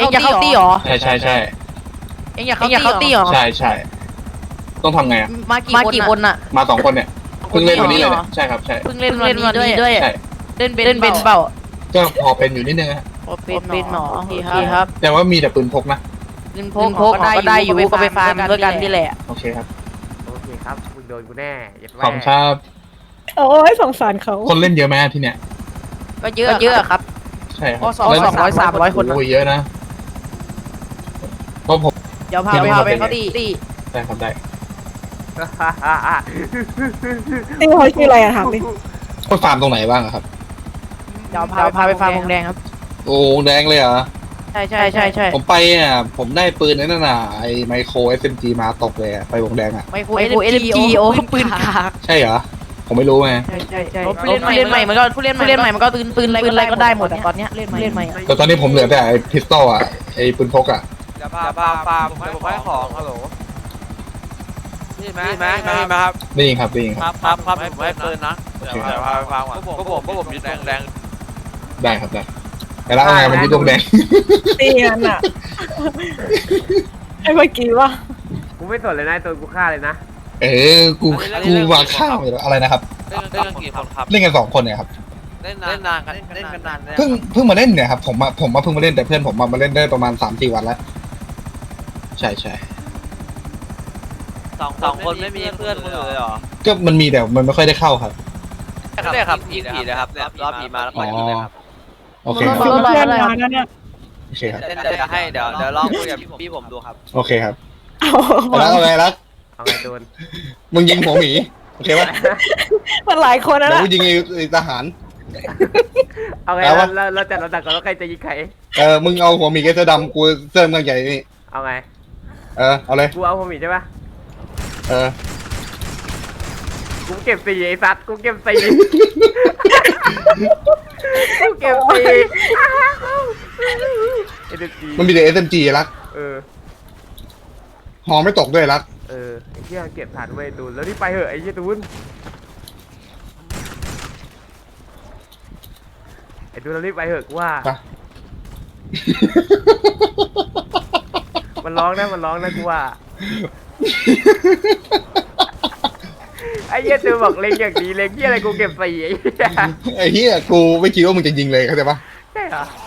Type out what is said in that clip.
อยากเข้าตี้หรอใช่เอ็งอยากเข้าตี้หรอใช่ต้องทำไงอ่ะมากี่คนอะมา2 คนเนี่ยเพิ่งเล่นวันนี้เลยเนี่ยใช่ครับใช่เพิ่งเล่นวันนี้ด้วยใช่เล่นเป็นเปล่าก็พอเป็นอยู่นิดนึงฮะเป็นหมอโอเคครับแต่ว่ามีแต่ปืนพกนะปืนพกก็ได้อยู่ก็ไปฟาร์มด้วยกันนี่แหละโอเคครับโอเคครับมึงโดนกูแน่ยัดขอบคุณครับโอ้ยสงสารเขาคนเล่นเยอะไหมที่เนี่ยก็เยอะครับใช่ครับก็200-300 คนโอ้ยเยอะนะก็ผมเดี๋ยวพาไปเข้าตี้ได้ครับได้นี่เขาชื่ออะไรอะถามดิก็ฟาร์มตรงไหนบ้างอะครับเดี๋ยวพาไปฟาร์มวงแดงครับโอ้แดงเลยเหรอใช่ผมไปอ่ะผมได้ปืนนั่นน่ะไอไมโคร SMG มาตกเลยอะไปวงแดงอ่ะไมโคร LMG โอ้ปืนขาใช่เหรอผมไม่รู้ไงใช่ผู้เล่นใหม่มันก็ปืนอะไรก็ได้หมดตอนเนี้ยเล่นใหม่แต่ตอนนี้ผมเหลือแต่ไอพิสตอลอ่ะไอปืนพกอ่ะจะพาฟาร์มผมให้ของฮัลโหลนี่ไหมครับนี่ครับนี่ครับครับผมให้ปืนนะเดี๋ยวพาไปฟาร์มก่อนพวกผมยึดแดงได้ครับได้แต่แล้วเอาไงมันยึดวงแดงตีกันอะไอ้เมื่อกี้ว่ากูไม่สนเลยนะตัวกูฆ่าเลยนะกูวางข้าวไปแล้วอะไรนะครับเล่นกันกี่คนครับเล่นกัน2 คนเนี่ยครับเล่นนานกันเล่นกันนานเพิ่งมาเล่นเนี่ยครับผมเพิ่งมาเล่นแต่เพื่อนผมมาเล่นได้ประมาณ 3-4 วันแล้วใช่สองคนไม่มีเพื่อนเลยเหรอก็มันมีแต่มันไม่ค่อยได้เข้าครับได้ครับยิงผีนะครับรอบผีมาแล้วปล่อยยิงเลยครับโอเคครับเพื่อนมาแล้วเนี่ยโอเคครับเล่นจะให้เดี๋ยวลองคุยกับพี่ผมดูครับโอเคครับเอาแล้วเอาไงรักเอาไงโดนมึงยิงหัวหมีโอเคปะมันหลายคนนะเดี๋ยวกูยิงไอ้ทหารเอาไงแล้ววะเราจัดลำดับก่อนว่าใครจะยิงใครมึงเอาหัวหมีกับเสื้อดำกูเสื้อเมืองใหญ่นี่เอาไงเอาเลยกูเอาผมอีกใช่ปะเออกูเก็บ4ไอ้สัตว์กูเก็บ4กูเก็บ4เอ็นจีมันมีแต่ SMG รักเออหอไม่ตกด้วยรักไอ้เหี้ยเก็บฐานไว้ดูแล้วนี่ไปเหอะไอ้เหี้ยตูนไอ้ดูแล้วรีบไปเหอะกูว่าไปมันร้องนะกูว่าไอ้เหี้ยตูนบอกเล็งอย่างดีเล็งเหี้ยอะไรกูเก็บ4ไอ้เหี้ยไอ้เหี้ยกูไม่คิดว่ามึงจะยิงเลยเข้าใจปะใช่เหรอ